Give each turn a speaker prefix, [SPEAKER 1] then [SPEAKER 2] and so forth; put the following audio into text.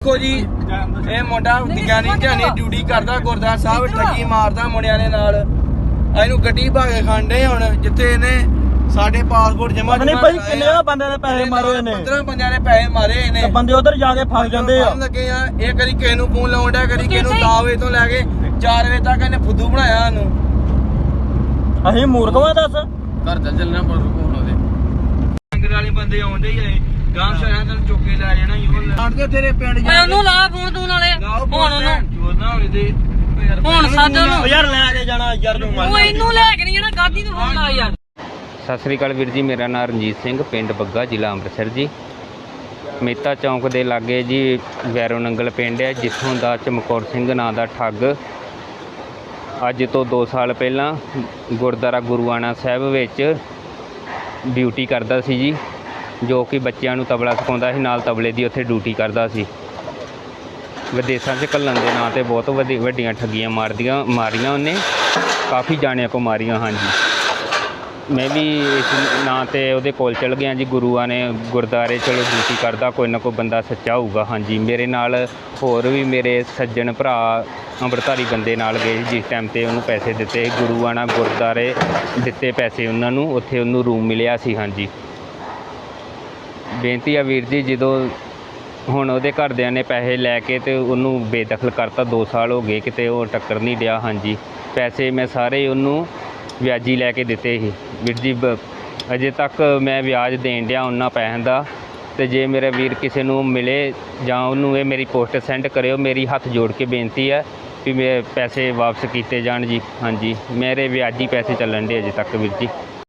[SPEAKER 1] देखो जी ये मुंडा ध्यानी ड्यूटी करदा गुरद्वारा साहब ठगी मारदा मुंडिया ने नाल ਇਹਨੂੰ ਗੱਡੀ ਭਾਗੇ ਖਾਂਡੇ ਹੁਣ ਜਿੱਥੇ ਇਹਨੇ ਸਾਡੇ ਪਾਸਪੋਰਟ ਜਮਾ
[SPEAKER 2] ਨਹੀਂ ਭਾਈ ਕਿੰਨੇ ਬੰਦੇ ਨੇ ਪੈਸੇ ਮਾਰੇ ਇਹਨੇ
[SPEAKER 1] 15 ਬੰਦਿਆਂ ਨੇ ਪੈਸੇ ਮਾਰੇ ਇਹਨੇ
[SPEAKER 2] ਬੰਦੇ ਉਧਰ ਜਾ ਕੇ ਫਸ ਜਾਂਦੇ ਆ
[SPEAKER 1] ਲੱਗੇ ਆ ਇਹ ਕਦੀ ਕਿਸੇ ਨੂੰ ਫੋਨ ਲਾਉਣ ਡਿਆ ਕਦੀ ਕਿਸੇ ਨੂੰ 10 ਵਜੇ ਤੋਂ ਲੈ ਕੇ 4 ਵਜੇ ਤੱਕ ਇਹਨੇ ਫੁੱਦੂ ਬਣਾਇਆ ਇਹਨੂੰ
[SPEAKER 2] ਅਸੀਂ ਮੂਰਖਵਾਂ ਦੱਸ
[SPEAKER 1] ਘਰ ਚੱਲਣਾ ਪਰ ਕੋਣ ਉਹਦੇ ਅੰਗਰ ਵਾਲੇ ਬੰਦੇ ਆਉਂਦੇ ਹੀ ਗਾਂਵ ਸ਼ਹਿਰਾਂ ਤੋਂ ਚੁੱਕ ਕੇ ਲੈ ਜਾਣਾ ਆਣਦੇ ਤੇਰੇ ਪਿੰਡ
[SPEAKER 3] ਜਾ ਉਹਨੂੰ ਲਾ ਫੋਨ ਤੂੰ ਨਾਲੇ ਹੁਣ ਉਹਨੂੰ
[SPEAKER 1] ਨਾ ਹੋਲੇ ਦੇ
[SPEAKER 3] ਹੁਣ ਸਾਧ ਉਹਨੂੰ
[SPEAKER 2] ਯਾਰ ਲੈ ਕੇ ਜਾਣਾ ਯਾਰ ਤੂੰ
[SPEAKER 3] ਉਹ ਇਹਨੂੰ ਲੈ ਕੇ ਨਹੀਂ ਜਾਣਾ ਗਾਦੀ ਨੂੰ ਫੋਨ ਲਾ ਯਾਰ।
[SPEAKER 4] ਸਤਿ ਸ੍ਰੀ ਅਕਾਲ ਵੀਰ ਜੀ, ਮੇਰਾ ਨਾਮ ਰਣਜੀਤ ਸਿੰਘ, ਪਿੰਡ ਬੱਗਾ, ਜ਼ਿਲ੍ਹਾ ਅੰਮ੍ਰਿਤਸਰ ਜੀ। ਮਹਿਤਾ ਚੌਂਕ ਦੇ ਲਾਗੇ ਜੀ ਵੈਰੋ ਨੰਗਲ ਪਿੰਡ ਹੈ, ਜਿੱਥੋਂ ਦਾ ਚਮਕੌਰ ਸਿੰਘ ਨਾਂ ਦਾ ਠੱਗ ਅੱਜ ਤੋਂ 2 ਸਾਲ ਪਹਿਲਾਂ ਗੁਰਦੁਆਰਾ ਗੁਰੂਆਣਾ ਸਾਹਿਬ ਵਿੱਚ ਡਿਊਟੀ ਕਰਦਾ ਸੀ ਜੀ, ਜੋ ਕਿ ਬੱਚਿਆਂ ਨੂੰ ਤਬਲਾ ਸਿਖਾਉਂਦਾ ਸੀ, ਨਾਲ ਤਬਲੇ ਦੀ ਉੱਥੇ ਡਿਊਟੀ ਕਰਦਾ ਸੀ। ਵਿਦੇਸ਼ਾਂ 'ਚ ਘੱਲਣ ਦੇ ਨਾਂ 'ਤੇ ਬਹੁਤ ਵੱਡੀਆਂ ਠੱਗੀਆਂ ਮਾਰੀਆਂ ਉਹਨੇ, ਕਾਫੀ ਜਾਣਿਆਂ ਕੋ ਮਾਰੀਆਂ। ਹਾਂਜੀ, ਮੈਂ ਵੀ ਇਸ ਨਾਂ 'ਤੇ ਉਹਦੇ ਕੋਲ ਚਲ ਗਿਆ ਜੀ। ਗੁਰੂਆਂ ਨੇ ਗੁਰਦੁਆਰੇ ਚਲੋ ਡਿਊਟੀ ਕਰਦਾ, ਕੋਈ ਨਾ ਕੋਈ ਬੰਦਾ ਸੱਚਾ ਹੋਊਗਾ। ਹਾਂਜੀ, ਮੇਰੇ ਨਾਲ ਹੋਰ ਵੀ ਮੇਰੇ ਸੱਜਣ ਭਰਾ ਅੰਮ੍ਰਿਤਧਾਰੀ ਬੰਦੇ ਨਾਲ ਗਏ ਜਿਸ ਟਾਈਮ 'ਤੇ ਉਹਨੂੰ ਪੈਸੇ ਦਿੱਤੇ। ਗੁਰੂਆਣਾ ਗੁਰਦੁਆਰੇ ਦਿੱਤੇ ਪੈਸੇ ਉਹਨਾਂ ਨੂੰ, ਉੱਥੇ ਉਹਨੂੰ ਰੂਮ ਮਿਲਿਆ ਸੀ। ਹਾਂਜੀ, ਬੇਨਤੀ ਆ ਵੀਰ ਜੀ, ਜਦੋਂ ਹੁਣ ਉਹਦੇ ਘਰਦਿਆਂ ਨੇ ਪੈਸੇ ਲੈ ਕੇ ਤੇ ਉਹਨੂੰ ਬੇਦਖਲ ਕਰਤਾ। 2 ਸਾਲ ਹੋ ਗਏ, ਕਿਤੇ ਉਹ ਟੱਕਰ ਨਹੀਂ ਡਿਆ। ਹਾਂਜੀ, ਪੈਸੇ ਮੈਂ ਸਾਰੇ ਉਹਨੂੰ ਵਿਆਜੀ ਲੈ ਕੇ ਦਿੱਤੇ ਸੀ ਵੀਰ ਜੀ। ਅਜੇ ਤੱਕ ਮੈਂ ਵਿਆਜ ਦੇਣ ਡਿਆ ਉਹਨਾਂ ਪੈਸਿਆਂ ਦਾ। ਅਤੇ ਜੇ ਮੇਰਾ ਵੀਰ ਕਿਸੇ ਨੂੰ ਮਿਲੇ ਜਾਂ ਉਹਨੂੰ ਇਹ ਮੇਰੀ ਪੋਸਟ ਸੈਂਡ ਕਰਿਓ। ਮੇਰੀ ਹੱਥ ਜੋੜ ਕੇ ਬੇਨਤੀ ਹੈ ਵੀ ਮੇਰੇ ਪੈਸੇ ਵਾਪਸ ਕੀਤੇ ਜਾਣ ਜੀ। ਹਾਂਜੀ, ਮੇਰੇ ਵਿਆਜੀ ਪੈਸੇ ਚੱਲਣ ਡੇ ਅਜੇ ਤੱਕ ਵੀਰ ਜੀ।